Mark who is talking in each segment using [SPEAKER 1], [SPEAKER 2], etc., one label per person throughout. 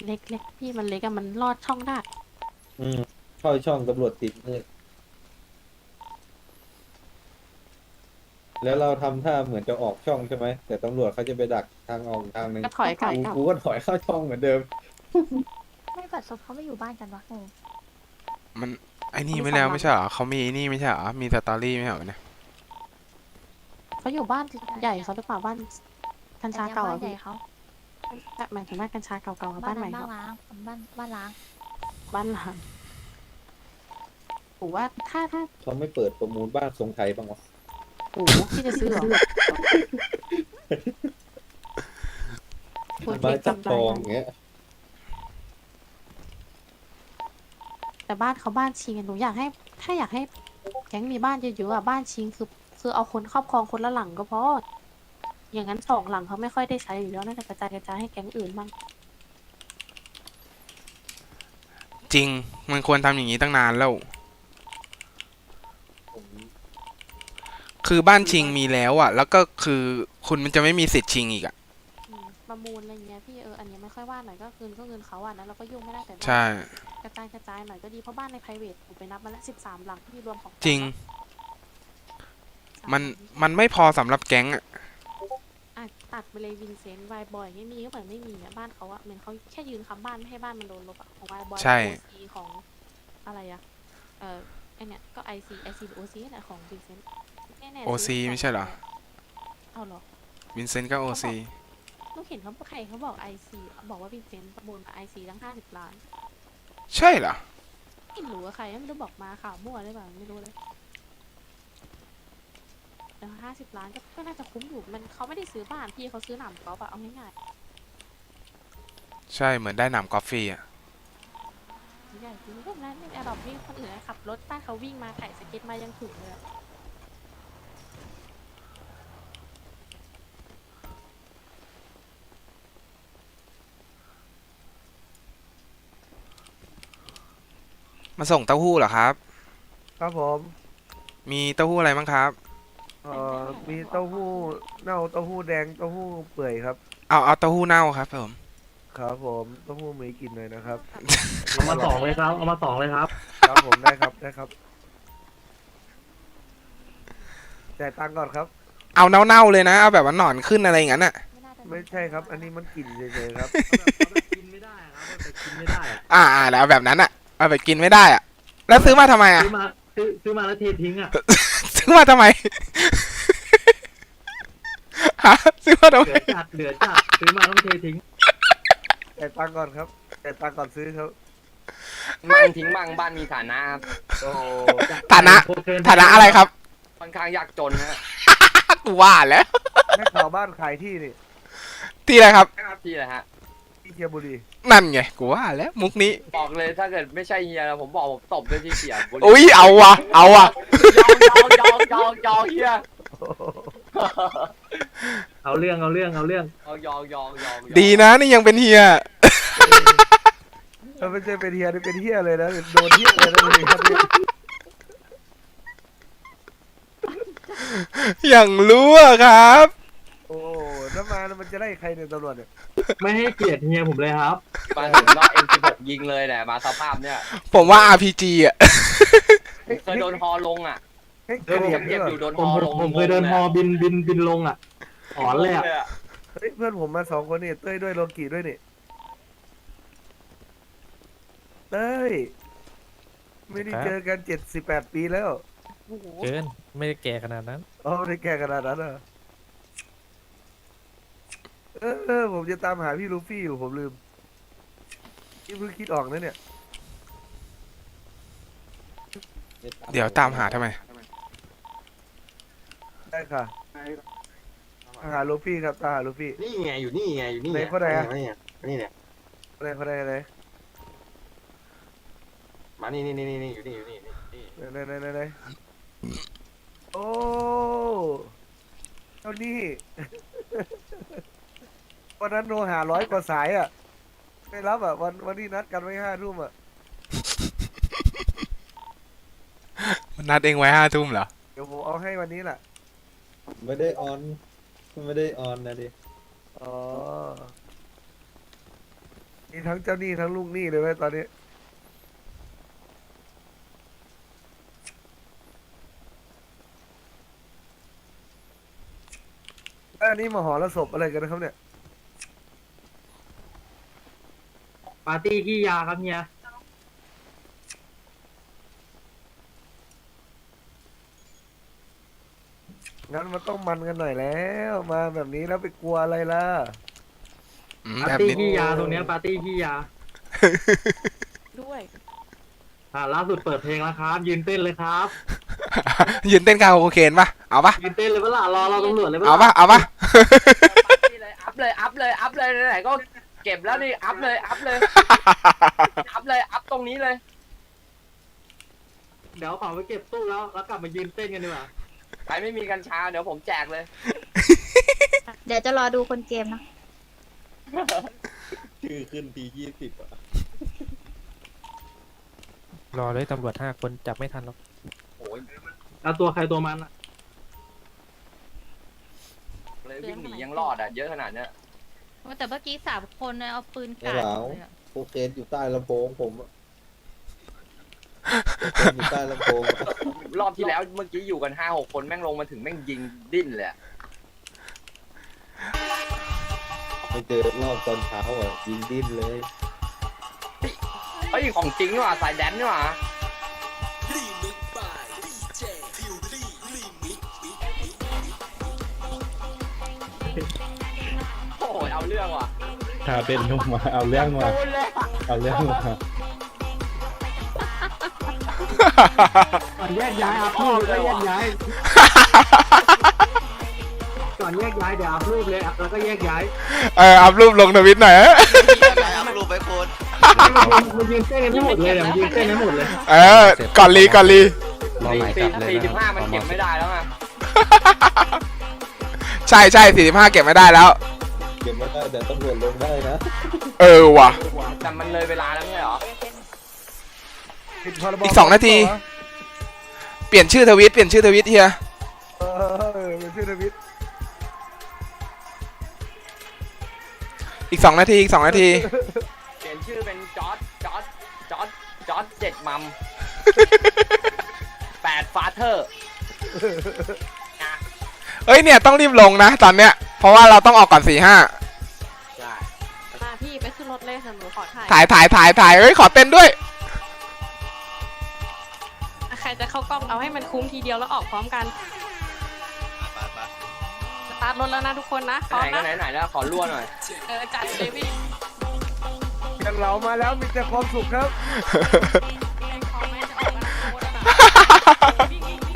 [SPEAKER 1] เล็กเล็กพี่มันเล็กอะมันลอดช่องได้
[SPEAKER 2] อืมเข้าช่องตำรวจติดมืดแล้วเราทำท่าเหมือนจะออกช่องใช่ไหมแต่ตำรวจเขาจะไปดักทางออกทางหนึ่ง
[SPEAKER 1] ก็ถอยกลับ
[SPEAKER 2] กูก็ถอยเข้าช่องเหมือนเดิม
[SPEAKER 3] ไม่บัดซบเขาไม่อยู่บ้านกันวะงง
[SPEAKER 4] มันไอ้นี่
[SPEAKER 1] เขามี
[SPEAKER 4] ไม่
[SPEAKER 1] สอง
[SPEAKER 4] แล้ว
[SPEAKER 1] หลัง
[SPEAKER 4] ไม่ใช่เหรอเขามีไอ้นี่ไม่ใช่เหรอมีสตอรี่ไม่ใช่เหรอเนี่ย
[SPEAKER 1] เขาอยู่บ้านใหญ่เขาหรือเปล่าบ้านกัญชาเก่า
[SPEAKER 3] บ้า
[SPEAKER 1] อะ
[SPEAKER 3] นใหญ่
[SPEAKER 1] พี่
[SPEAKER 3] เขา
[SPEAKER 1] หมายถึงบ้านกัญชาเก่าๆกับ
[SPEAKER 3] บ้า
[SPEAKER 1] บ้าน นใหม่
[SPEAKER 3] นั้นบ้าน
[SPEAKER 1] เขา
[SPEAKER 3] ล้างบ้านล้าง
[SPEAKER 1] บ้านหลังผมว่าถ้า
[SPEAKER 2] เขาไม่เปิดประมูลบ้านทรงไทยบ้างวะ
[SPEAKER 1] โอ้โหพี่จะซื้อเหรอพูด
[SPEAKER 2] ไม้
[SPEAKER 1] ผิด
[SPEAKER 2] จับ
[SPEAKER 1] จำ
[SPEAKER 2] ท
[SPEAKER 1] ได้
[SPEAKER 2] อง
[SPEAKER 1] นะ
[SPEAKER 2] อย่างเงี้ย
[SPEAKER 1] แต่บ้านเขาบ้านชิงอะหนูอยากให้ถ้าอยากให้แก๊งมีบ้านเยอะๆอะบ้านชิงคือเอาคนครอบครองคนละหลังก็พออย่างนั้น2 หลังเขาไม่ค่อยได้ใช้อยู่แล้วน่าจะกระจายให้แก๊งอื่นบ้าง
[SPEAKER 4] จริงมันควรทำอย่างนี้ตั้งนานแล้ว
[SPEAKER 2] ผม
[SPEAKER 4] คือบ้านชิงมีแล้วอ่ะแล้วก็คือคุณมันจะไม่มีสิทธิ์ชิงอีกอ่ะ
[SPEAKER 1] ประมูลอะไรเงี้ยพี่อันนี้ไม่ค่อยว่าหน่อยก็คืนก็เงินเขาอ่ะนะเราก็ยุ่งไม่ได้แต่
[SPEAKER 4] ใช่
[SPEAKER 1] กระจายหน่อยก็ดีเพราะบ้านใน private ผมไปนับมาแล้ว13 หลังที่รวมของ
[SPEAKER 4] จริง
[SPEAKER 1] 3
[SPEAKER 4] มัน
[SPEAKER 1] หลัง
[SPEAKER 4] มันไม่พอสำหรับแก๊งอ่ะ
[SPEAKER 1] อ่ะตัดไปเลยวินเซนต์ไวบอยไม่มีก็เหมือนไม่มีอ่ะบ้านเขาอ่ะเหมือนเขาแค่ยืนค้ำบ้านไม่ให้บ้านมันโดนลบอ่ะของไวบอย
[SPEAKER 4] ใช่
[SPEAKER 1] โอซีของอะไรอ่ะไอเนี้ยก็ไอซีหรือโอซีแหละของวินเซนต์แน่ๆ
[SPEAKER 4] โอซีไม่ใช่เหรอ
[SPEAKER 1] เอาเหรอ
[SPEAKER 4] วินเซนต์ก็โอซี
[SPEAKER 1] ลูกเห็นเขาใครเขาบอกไอซีบอกว่าวินเซนต์ประมูลมาไอซีตั้ง50 ล้าน
[SPEAKER 4] ใช่เหรอ
[SPEAKER 1] ไม่รู้ว่าใครไม่รู้บอกมาข่าวมั่วหรือเปล่าไม่รู้เลยแต่50 ล้านก็น่าจะคุ้มอยู่มันเขาไม่ได้ซื้อบ้านพี่เขาซื้อหนำกอล์ฟอะเอาง่าย
[SPEAKER 4] ใช่เหมือนได้หนำกอล์ฟฟรีอ่ะ
[SPEAKER 1] ๆใหญ่จริงพวกนั้นในแอร์ดรอปนี่คนอื่นขับรถใต้เขาวิ่งมาไถ่สเก็ตมายังถึงเลยอะ
[SPEAKER 4] มาส่งเต้าหู้เหรอครับ
[SPEAKER 5] ครับผม
[SPEAKER 4] มีเต้าหู้อะไรบ้างครับ
[SPEAKER 5] มีเต้าหู้เน่าเต้าหู้แดงเต้าหู้เปื่อยครับ
[SPEAKER 4] เอาเต้าหู้เน่าครับผม
[SPEAKER 5] ครับผมเต้าหู้มีกลิ่นหน่อยนะครับ
[SPEAKER 6] เอามา2เลยครับ เอามา2เลยครับ
[SPEAKER 5] ครับผมได้ครับได้ครับจ่ายตังค์ก่อนครับ
[SPEAKER 4] เอาเน่าๆเลยนะเอาแบบว่าหนอนขึ้นอะไรอย่างนั้นอ่ะ
[SPEAKER 3] ไม่น่าจะ
[SPEAKER 5] ไม่ใช่ครับ อันนี้มันกลิ่นเฉยๆครับ
[SPEAKER 6] เอาแบบกินไม่ได้ครับเอาแบบกินไม่ได้อะ
[SPEAKER 4] แล้วเอาแบบนั้นอ่ะเอาแบบกินไม่ได้อ่ะแล้วซื้อมาทำไมอ่ะ
[SPEAKER 6] ซื้อมาแล้วเททิ้งอ่ะ
[SPEAKER 4] ซื้อมาทำไม ฮะซื้อมาทำไม
[SPEAKER 6] เหลือจัดซื้อมาต้องเททิ้ง
[SPEAKER 5] จ่ายตังค์ก่อนครับจ่ายตังค์ก่อนซื้อครับ
[SPEAKER 7] บ้านทิ้งบ้างบ้านมีฐานะครับโอ้โห
[SPEAKER 4] ฐานะ
[SPEAKER 6] โคเคน
[SPEAKER 4] ฐานะอะไรครับ
[SPEAKER 7] ค่อนข้างยากจนฮะ
[SPEAKER 4] กูว่าแล้ว
[SPEAKER 5] ให้ข่าวบ้านขายที่นี่
[SPEAKER 4] ที่อะไรครับ
[SPEAKER 7] ที่อะไรฮะ
[SPEAKER 5] ที่เชียงบุรี
[SPEAKER 4] นั่นไงกูว่าแล้วมุกนี้
[SPEAKER 7] บอกเลยถ้าเกิดไม่ใช่เฮียนะผมบอกผมตบด้วยที่เสียบุรี
[SPEAKER 4] อุ้ยเอาว่ะ
[SPEAKER 7] ยองเฮีย
[SPEAKER 6] เอาเรื่อง
[SPEAKER 7] ยอง
[SPEAKER 4] ดีนะนี่ยังเป็นเฮีย
[SPEAKER 5] ถ้าไม่ใช่เป็นเฮียนี่เป็นเฮียเลยนะโดนเฮียเลยนะนี่ครับนี่
[SPEAKER 4] อย่างรู้อะครับ
[SPEAKER 5] โอ้น้ำมามันจะไล่ใครเนี่ยตำรวจเนี่ย
[SPEAKER 6] ไม่ให้เกียรติเฮียผมเลยครับ
[SPEAKER 7] มาถึงรอบ M16 ยิงเลยแหละมาสภาพเนี่ย
[SPEAKER 4] ผมว่า RPG อ่ะ
[SPEAKER 7] เคยโดนฮอลงอ่ะ
[SPEAKER 5] เฮ้ย
[SPEAKER 6] เฮ้ย
[SPEAKER 5] เจ็บ
[SPEAKER 7] เจ็บ
[SPEAKER 5] ด้
[SPEAKER 7] อ
[SPEAKER 5] วย
[SPEAKER 7] ยู่โดน
[SPEAKER 6] ผ
[SPEAKER 7] ฮ
[SPEAKER 6] ม
[SPEAKER 7] อลง
[SPEAKER 6] ผมเคยเดินฮอบินลงอ่ะถอนเลยอ่ะ
[SPEAKER 5] เฮ้ยเพื่อนผมมา2 คนนี่เต้ยด้วยโลกิด้วยนี่เต้ยไม่ได้เจอกัน78 ปีแล้ว
[SPEAKER 1] โอ้โห
[SPEAKER 8] เกินไม่ได้แก่ขนาดนั้น
[SPEAKER 5] อ๋อไม่ได้แก่ขนาดนั้นเหรอผมจะตามหาพี่ลูฟี่อยู่ผมลืมนี่เพิ่งคิดออกนะเนี่ย
[SPEAKER 4] เดี๋ยวตามหาทำไม
[SPEAKER 5] ได้ค่ะหาลูฟี่ครับตามหาลูฟี่
[SPEAKER 9] นี่ไงอยู่นี่ไงอยู่นี่
[SPEAKER 5] ไหนคนไหนอะ
[SPEAKER 9] นี่ไงนี่เนี่ย
[SPEAKER 5] อะไร
[SPEAKER 9] มานี่อยู่นี่อยู่นี่
[SPEAKER 5] ไหนโอ้เท่านี้ วันนั้นโทรหา100 กว่าสายอ่ะไม่รับอ่ะวันที่นัดกันไว้5 ทุ่มอ่ะ
[SPEAKER 4] มันนัดเองไว้5 ทุ่มเหรอ
[SPEAKER 5] เดี๋ยวผมเอาให้วันนี้แหละ
[SPEAKER 2] ไม่ได้ออนไม่ได้ออนนะดิ
[SPEAKER 5] อ๋อโอเคมีทั้งเจ้าหนี้ทั้งลูกหนี้เลยไหมตอนนี้อันนี้มหรสพอะไรกันนะครับเนี่ย
[SPEAKER 6] ปาร์ตี้ขี้ยาครับเฮีย
[SPEAKER 5] งั้นมันต้องมันกันหน่อยแล้ว มาแบบนี้แล้วไปกลัวอะไรล่ะ
[SPEAKER 6] ปา
[SPEAKER 4] แบ
[SPEAKER 6] ร์
[SPEAKER 4] บ
[SPEAKER 6] ตี้
[SPEAKER 4] นี้
[SPEAKER 6] ขี้ยาตรงเนี้ยปาร์ตี้ขี้ยา
[SPEAKER 1] ด้วย
[SPEAKER 6] ล่าสุดเปิดเพลงแล้วครับ ยืนเต้นเลยครับ
[SPEAKER 4] ยืนเต้นคาราโอเกะปะเอาปะ
[SPEAKER 6] ยืนเต้นเลยเปะล่ารอเราตำรวจเลยเปะ
[SPEAKER 4] เอา
[SPEAKER 6] ล่ะ
[SPEAKER 4] ปะเอาปะ
[SPEAKER 7] นี่เลยอัพเลยอัพเลยอัพเลยไหนๆก็เก็บแล้วนี่อัพเลยอัพเลยอัพเลยอัพตรงนี้เลย
[SPEAKER 6] เดี๋ยวเอาของไปเก็บตู้แล้วกลับมายืนเต้นกันดีกว่า
[SPEAKER 7] ใครไม่มีกัญชาเดี๋ยวผมแจกเลย
[SPEAKER 3] เดี๋ยวจะรอดูคนเกมนะ
[SPEAKER 2] ชื่อขึ้นที20อ่ะ
[SPEAKER 8] รอเลยตำรวจ5 คนจับไม่ทันหรอก
[SPEAKER 7] โอ้ย
[SPEAKER 6] เอาตัวใครตัวมันอะ
[SPEAKER 7] เลยวิ่งหนียังรอดอ่ะเยอะขนาดเนี้ย
[SPEAKER 3] แต่เมื่อกี้3 คนเอาปืน
[SPEAKER 2] ไอ้
[SPEAKER 3] กาด
[SPEAKER 2] เหลา
[SPEAKER 3] เลยอะ
[SPEAKER 2] โคเคนอยู่ใต้ลำโพงผมอะโคเคนอยู่ใต้ลำโพงอะ
[SPEAKER 7] รอบที่แล้วเมื่อกี้อยู่กัน5-6 คนแม่งลงมาถึงแม่งยิงดิ้นเลยอะ
[SPEAKER 2] ไปเจอรอบตอนเช้าอ่ะยิงดิ้นเลย
[SPEAKER 7] เฮ้ยของจริงนี่หว่าสายแดนนี่หว่าโอ้ยเอาเรื่องว่ะ
[SPEAKER 10] ถ้าเต้นลงมาเอาเรื่องมา
[SPEAKER 7] โดนเลยอะ
[SPEAKER 10] เอาเรื่องมา
[SPEAKER 6] ก่อนแยกย้ายอัพรูปแล้วก็แยกย้าย ก่อนแยกย้ายเดี๋ยวอัพรูปเลยแล้วก็แยกย้าย
[SPEAKER 4] อัพรูปลงทวิตหน่อย
[SPEAKER 6] มันยืนเต้นกันทั้งหมดเลยมันยืนเต้นทั้งหมดเลย
[SPEAKER 4] ก่อนรี
[SPEAKER 8] รอหมายจับเลย
[SPEAKER 7] 45มันเก็บไม่ได้แล้วไง
[SPEAKER 4] ใช่45เก็บไม่ได้แล้ว
[SPEAKER 2] เก็บไม่ได้แต่ตำรวจลงได้นะ
[SPEAKER 4] เออว่ะ
[SPEAKER 7] แต่มันเลยเวลาแล้วไม่ใช่เหรอ
[SPEAKER 5] ผิดพรบ
[SPEAKER 4] อีก2 นาที เปลี่ยนชื่อทวิตเฮีย
[SPEAKER 5] เป็นชื่อทวิต
[SPEAKER 4] อีก 2 นาที
[SPEAKER 7] เปลี่ยนชื่อเป็นจอร์ด7 มัม 8 ฟาเธอร์
[SPEAKER 4] เอ้ยเนี่ยต้องรีบลงนะตอนเนี้ยเพราะว่าเราต้องออกก่อน4-5
[SPEAKER 7] ใช่
[SPEAKER 1] มาพี่ไปขึ้นรถเลยค่ะหนูขอถ่าย
[SPEAKER 4] ถ่ายเอ้ยขอเต้นด้วย
[SPEAKER 1] ใครจะเข้ากล้องเอาให้มันคุ้มทีเดียวแล้วออกพร้อมกันสตาร์ทรถแล้วนะทุกคนนะพร้อม
[SPEAKER 7] ไหนก็
[SPEAKER 1] นะ
[SPEAKER 7] ไหนแล้วขอรั่วหน่อย
[SPEAKER 1] จัดเลยพี่
[SPEAKER 5] อย่างเรามาแล้วมีแต่ความสุขครับ
[SPEAKER 1] พร้อมไหมจะออกมาโคตรนะวิ่งวิ่ง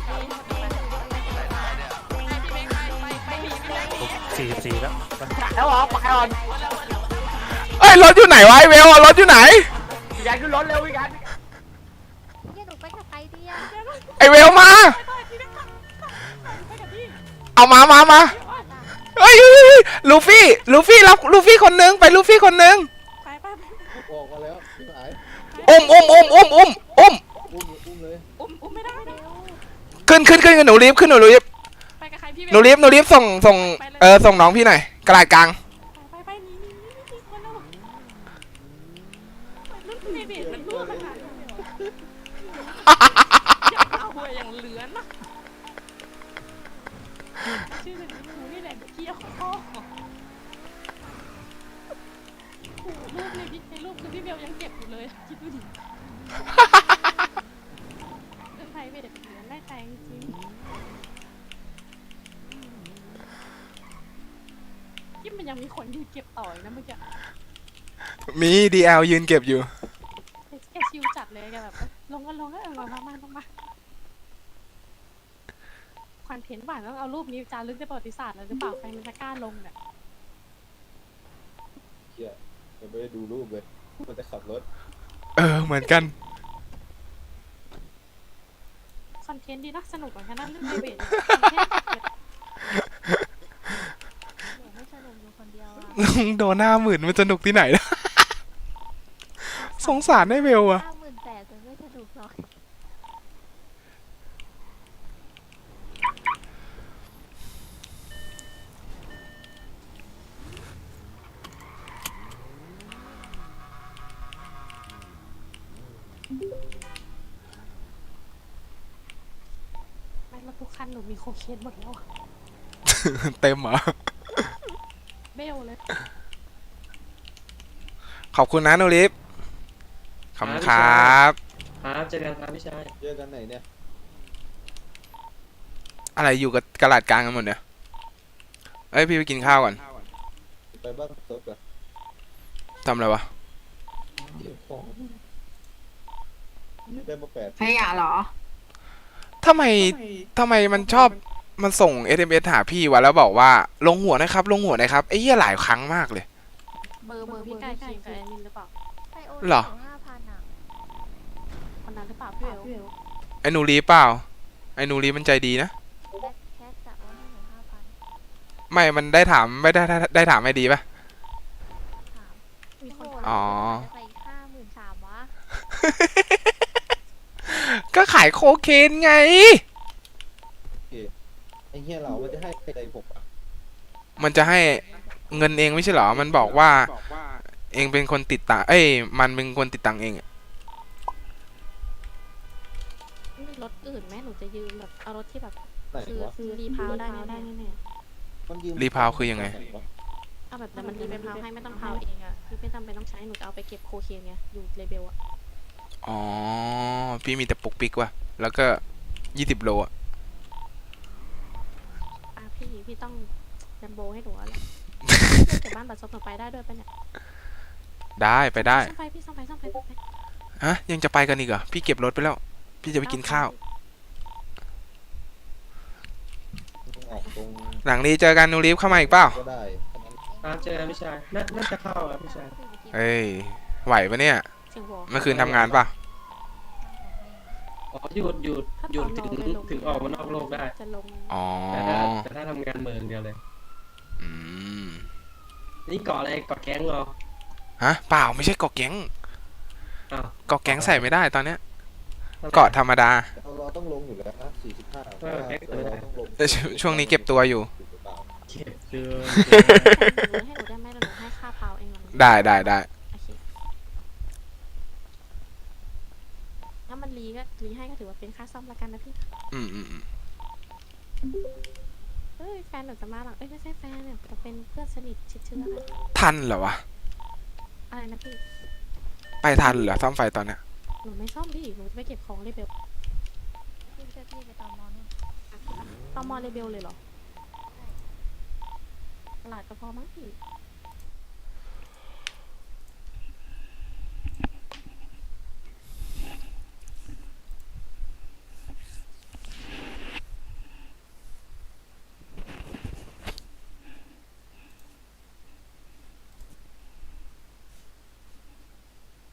[SPEAKER 1] ไปหนีพี่แบงค์หนี
[SPEAKER 8] 44 แล้ว
[SPEAKER 7] แล้วเหรอไปก่อน
[SPEAKER 4] เอ้ยรถอยู่ไหนวะไอเวลรถอยู่ไหน
[SPEAKER 7] พี่แกขึ้นรถเร็วพี่แก
[SPEAKER 3] เนี่ยหนูไปกับใครดีอะ
[SPEAKER 4] ไอเวลมาเอามาเฮ้ยลูฟี่รับลูฟี่คนนึงไปลูฟี่คนนึง
[SPEAKER 1] ไป
[SPEAKER 2] ออกมาแล้วที่ไหน
[SPEAKER 4] อุ้ม
[SPEAKER 2] อุ้มเลย
[SPEAKER 1] อุ้มไม่ได้
[SPEAKER 4] ขึ้นหนูรีบ
[SPEAKER 1] ไปกับใครพี่
[SPEAKER 4] หนูรีบส่งส่งน้องพี่หน่อยกระดาษกลาง
[SPEAKER 1] ไปหนีคนละรุ่นในเบสมันรั่วขนาดนี้อย่าเอาหัวอย่างเหลือนะชื่อแบบนี้กูนี่แหละเกี่ยวข้อรูปในรูปคือพี่เบลยังเก็บอยู่เลยคิดดูดิเรื่องไทยเบสเหลือได้ใจจริงที่มันยังมีคนยืนเก็บต่อยนะเมื่อกี้
[SPEAKER 4] มี DL ยืนเก็บอยู่
[SPEAKER 1] แกชิวจัดเลยแกแบบลงมาคอนเทนต์หวานต้องเอารูปนี้จารึกในประวัติศาสตร์เลยหรือเปล่าใครมันจะกล้าลงเนี่ย
[SPEAKER 2] เชี่ยยังไม่ได้ดูรูปเลยมันจะขับรถ
[SPEAKER 4] เหมือนกัน
[SPEAKER 1] คอนเทนต์ดีนะสนุกเหมือนกันนะเรื่องไพรเวทไม่สนุกอยู่คนเดียวอะ
[SPEAKER 4] โดน50,000มันสนุกที่ไหนนะ สงสารไอ้เวลอะ
[SPEAKER 3] 58,000แต่ไม่สนุกหรอก
[SPEAKER 1] คันหนูมีโคเคนหมดแล้วอะ
[SPEAKER 4] เต็มเหรอ
[SPEAKER 1] เบลเลย
[SPEAKER 4] ขอบคุณนะนูริฟขอบคุณครับ
[SPEAKER 6] ครับเจอกันครับพี่ชาย
[SPEAKER 2] เจอกันไหนเนี่ย
[SPEAKER 4] อะไรอยู่กับกระดาษกลางกันหมดเนี่ยเอ้ยพี่ไปกินข้าวก่อน
[SPEAKER 2] ไปบ้านซบอะ
[SPEAKER 4] ทำอะไรวะ
[SPEAKER 2] เก็บของได้มา8
[SPEAKER 3] ขยะเหรอ
[SPEAKER 4] ทำไมมันชอบมันส่ง SMS หาพี่วะแล้วบอกว่าลงหัวนะครับ ลงหัวนะครับไอ้เหี้ยหลายครั้งมากเลย
[SPEAKER 1] เบอร์พี่ไก่คิงกับแอดมินหรือเปล่า
[SPEAKER 3] ไปโอน
[SPEAKER 4] เหรอ
[SPEAKER 3] 5,000อ่ะ
[SPEAKER 1] คนนั้นหรือเปล่าพี่เบล
[SPEAKER 4] ไอ้นูรีเปล่าไอ้นูรีมันใจดีนะ
[SPEAKER 3] แบ็คแคทจะโอนให้หนู5,000
[SPEAKER 4] ไม่มันได้ถามไม่ได้ถามไม่ดีปะ
[SPEAKER 3] ถาม
[SPEAKER 1] มีคน
[SPEAKER 3] โโห
[SPEAKER 4] อ๋อ
[SPEAKER 3] จะไป53,000วะ
[SPEAKER 4] ก็ขายโคเคนไง
[SPEAKER 2] ไอ้เหี้ยเรามันจะให้อะไรผมอะ
[SPEAKER 4] มันจะให้เงินเองไม่ใช่เหรอ มันบอกว่าเองเป็นคนติดตังค์เอ้ยมันเป็นคนติดตังค์เองอะ
[SPEAKER 1] มีรถอื่นไหมหนูจะยืมแบบเอารถที่แบบ
[SPEAKER 2] ไหนวะ
[SPEAKER 1] คือรีพาวได้แน่ๆ
[SPEAKER 2] มันยืม
[SPEAKER 4] รีพาวคือยังไง
[SPEAKER 1] เอาแบบแต่มันรีไปพาวให้ไม่ต้องพาวเองอะคือไม่จำเป็นต้องใช้หนูจะเอาไปเก็บโคเคนไงอยู่เลเบลอะ
[SPEAKER 4] อ๋อพี่มีแต่ปุกปิกว่ะแล้วก็20 โลอะ
[SPEAKER 1] พี่ต้องแลมโบให้หนูแล้วแหละเก็บบ้านบัตรซบหนูไปได้ด้วยปะเนี่ย
[SPEAKER 4] ได้ไปได้
[SPEAKER 1] ซ่อมไฟพี่ซ่อมไฟ
[SPEAKER 4] ฮะยังจะไปกันอีกเหรอพี่เก็บรถไปแล้ว พี่จะไปกินข้าว
[SPEAKER 2] ออกตรง
[SPEAKER 4] หลังนี้เจอกันนูรีฟเข้ามาอีกเปล่า
[SPEAKER 2] ก็ได้
[SPEAKER 6] ครับเจอกันพี่ชายน่าจะเข้าครับพี่ชาย
[SPEAKER 4] เอ้ยไหวปะเนี่ย
[SPEAKER 1] เสียงวอ
[SPEAKER 4] เมื่อคืนทำงานป่ะ
[SPEAKER 6] อ๋อหยุดถึงออกมานอกโลกได้
[SPEAKER 1] จะลง
[SPEAKER 4] อ๋อ
[SPEAKER 6] แต่ถ้าทำงานเมืองเดียวเลย
[SPEAKER 4] อืม
[SPEAKER 6] นี่เกาะอะไรเกาะแก๊งเหรอ
[SPEAKER 4] ฮะเปล่าไม่ใช่เกาะแก๊ง
[SPEAKER 6] อ้าว
[SPEAKER 4] เกาะแก๊งใส่ไม่ได้ตอนเนี้ยเกาะธรรมดา
[SPEAKER 2] เราต้องลงอยู่แล้วนะ45 เราต้องลง
[SPEAKER 4] แต่ช่วงนี้เก็บตัวอยู่
[SPEAKER 6] เก็บเจอ
[SPEAKER 1] ให้หนูได้ไหมหนูให้ค่าพาวเองหรอ
[SPEAKER 4] ได้
[SPEAKER 1] โอเคถ้ามันรีให้ก็ถือว่าเป็นค่าซ่อมละกันนะพี่
[SPEAKER 4] อืม
[SPEAKER 1] เอ้ยแฟนหนูจะมาหลังไม่ใช่แฟนเนี่ยจะเป็นเพื่อนสนิทชิดเชื้อกัน
[SPEAKER 4] ทันเหรอวะ
[SPEAKER 1] อะไรนะพี่
[SPEAKER 4] ไปทันเหรอซ่อมไฟตอนเนี้ย
[SPEAKER 1] หนูไม่ซ่อมพี่หนูจะไปเก็บของเลเบล
[SPEAKER 3] พี่ช่วยพี่ไปตอมอนู่น
[SPEAKER 1] ตอมอเลเบลเลยเหรอตลาดก็พอมั้งพี่